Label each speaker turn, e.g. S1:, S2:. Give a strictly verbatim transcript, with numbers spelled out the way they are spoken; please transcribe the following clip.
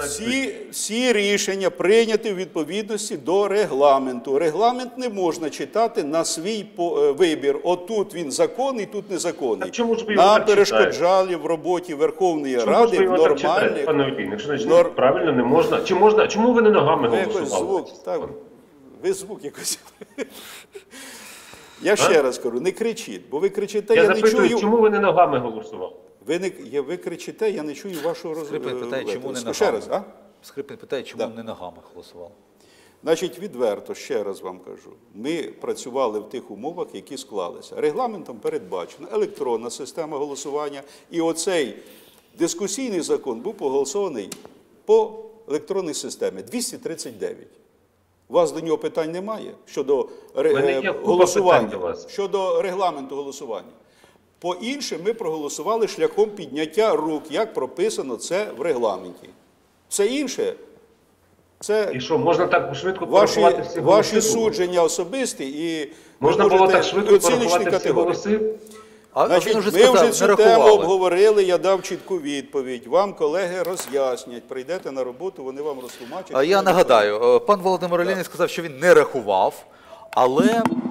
S1: Всі, всі рішення прийняті в відповідності до регламенту. Регламент не можна читати на свій вибір. Отут він законний, тут незаконний. Нам перешкоджали в роботі Верховної Ради в нормальних...
S2: Пане Олійник, якщо значить, нор... правильно не можна. Чи можна? Чому ви не ногами
S1: ви
S2: голосували?
S1: Звук, так, ви звук якось... Я ще а? раз кажу, не кричіть, бо ви кричите, я, я не
S2: запитую,
S1: чую...
S2: чому ви не ногами голосували?
S1: Ви, не, я, ви кричите, я не чую вашого розгляду.
S3: Скрипин питає, чому не ногами.
S1: Ще раз, а?
S3: Скрипин питає, чому да. не ногами голосував.
S1: Значить, відверто, ще раз вам кажу, ми працювали в тих умовах, які склалися. Регламентом передбачена електронна система голосування, і оцей дискусійний закон був проголосований по електронній системі двісті тридцять дев'ять. У вас до нього питань немає щодо ре... голосування, щодо регламенту голосування. По іншим ми проголосували шляхом підняття рук, як прописано це в регламенті. Все інше – це
S2: і що, можна так швидко
S1: ваші, ваші судження особисті і
S2: можна було так швидко порахувати всі голоси?
S1: А, Значить, вже ми сказав, вже цю тему обговорили, я дав чітку відповідь. Вам колеги роз'яснять, прийдете на роботу, вони вам розтлумачать.
S3: Я нагадаю, пан Володимир Олійник сказав, що він не рахував, але